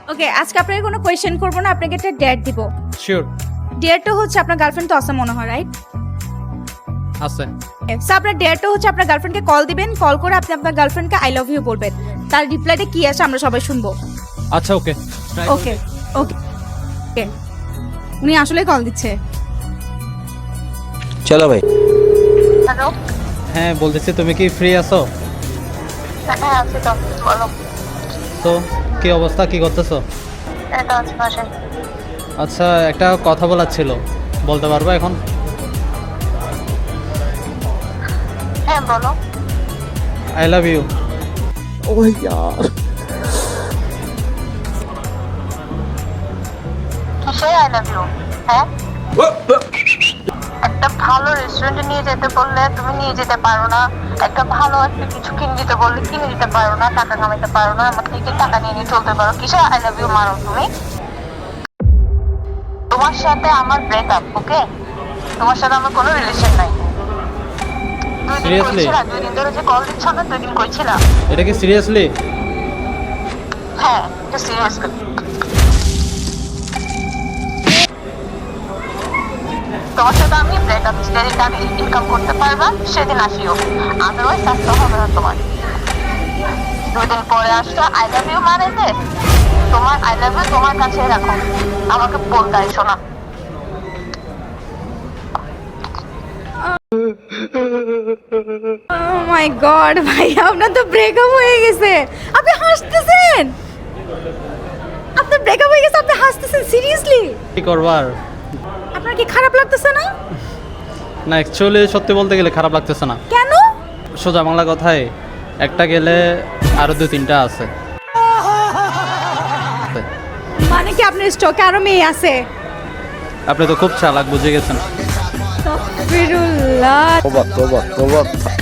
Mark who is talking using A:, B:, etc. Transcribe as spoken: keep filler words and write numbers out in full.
A: ওকে, আজকে আপনাকে কোনো কোয়েশ্চেন করবো না, আপনাকে একটা ডেট দিব।
B: শিওর।
A: ডেটটা হচ্ছে আপনার গার্লফ্রেন্ড তো আছে মনে হয়, রাইট?
B: আছে।
A: সো আপনার ডেটটা হচ্ছে আপনার গার্লফ্রেন্ডকে কল দিবেন, কল করে আপনি আপনার গার্লফ্রেন্ডকে আই লাভ ইউ বলবেন। তার রিপ্লাইটা কি আছে আমরা সবাই শুনবো।
B: আচ্ছা ওকে।
A: ওকে ওকে ওকে, উনি আসলে কল দিচ্ছে।
C: চলো ভাই।
D: হ্যালো।
B: হ্যাঁ বলতেছি, তুমি কি ফ্রি আছো?
D: হ্যাঁ আছি তো, বলো।
B: তো কি অবস্থা, কি করতেছো?
D: এটা আছে বাসায়।
B: আচ্ছা একটা কথা বলার ছিল, বলতে পারবো এখন?
D: হ্যাঁ বলো।
B: I love you.
C: ও यार
D: কিসে আই লাভ ইউ? হ্যাঁ, একটা ভালো রেস্টুরেন্টে নিয়ে যেতে বললে তুমি নিয়ে যেতে পারো না, একটা ভালো একটা কিছু কিনে দিতে বললে কিনে দিতে পারো না, টাকা কামাইতে পারো না, আমার থেকে টাকা নিয়ে নিয়ে চলতে পারো। কিসে আই লাভ ইউ মারো তুমি? তোমার সাথে আমার ব্রেকআপ, ওকে? তোমার সাথে আমার কোনো রিলেশন নাই। দুই দিন
B: Seriously?
D: কইছিলা, দুই দিন ধরে যে কল দিচ্ছ না, দুই দিন কইছিলা।
B: এটা কি সিরিয়াসলি?
D: হ্যাঁ, এটা সিরিয়াসলি। তোমার সাথে আমি ব্রেকআপ, যেদিন আমি ইনকাম করতে পারবা সেদিন আসিও, আদারওয়াইজ আসতে হবে না তোমার। দুই দিন পরে আসলে আই লাভ ইউ মানে যে তোমার আই লাভ ইউ তোমার কাছে রাখো, আমাকে বলতে আইসো না।
A: ও মাই গড ভাই, আপনার তো ব্রেকআপ হয়ে গেছে, আপনি হাসতেছেন। আপনার ব্রেকআপ হয়ে গেছে, আপনি হাসতেছেন, সিরিয়াসলি?
B: কি করবার?
A: আপনার কি খারাপ লাগতেছে না?
B: না অ্যাকচুয়ালি সত্যি বলতে গেলে খারাপ লাগতেছে না।
A: কেন?
B: সোজা বাংলা কথায় একটা গেলে আরো দু তিনটা আছে।
A: মানে কি আপনার স্টকে আরো মেয়ে আছে?
B: আপনি তো খুব চালাক, বুঝে গেছেন।
A: আস্তাগফিরুল্লাহ।
C: তোবা তোবা তোবা